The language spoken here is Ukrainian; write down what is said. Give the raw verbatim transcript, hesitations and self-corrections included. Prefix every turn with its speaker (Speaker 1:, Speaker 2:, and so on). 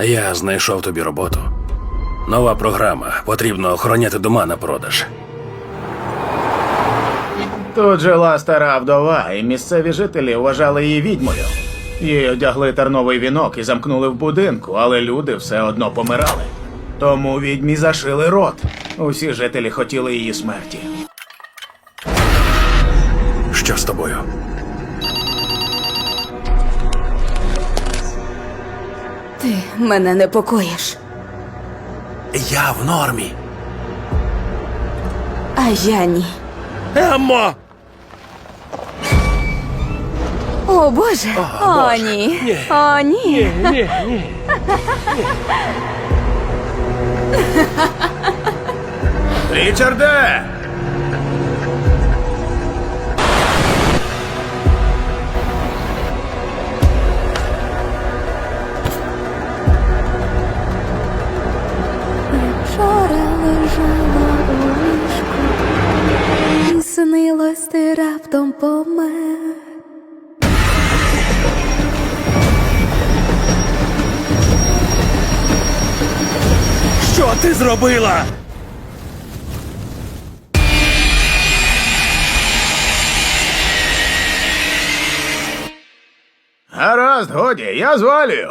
Speaker 1: Я знайшов тобі роботу. Нова програма. Потрібно охороняти дома на продаж.
Speaker 2: Тут жила стара вдова, і місцеві жителі вважали її відьмою. Їй одягли терновий вінок і замкнули в будинку, але люди все одно помирали. Тому відьмі зашили рот. Усі жителі хотіли її смерті.
Speaker 1: Що з тобою?
Speaker 3: Ти мене непокоїш.
Speaker 1: Я в нормі.
Speaker 3: А я ні.
Speaker 1: Еммо!
Speaker 3: О, Боже! О,
Speaker 1: Боже.
Speaker 3: ні.
Speaker 1: Ні.
Speaker 3: О, ні.
Speaker 1: Ні, ні.
Speaker 2: Річарде!
Speaker 4: Вчора лежала у ліжку, і снилось, ти раптом помер.
Speaker 1: Що ти зробила?
Speaker 2: Гаразд, годі, я звалюю.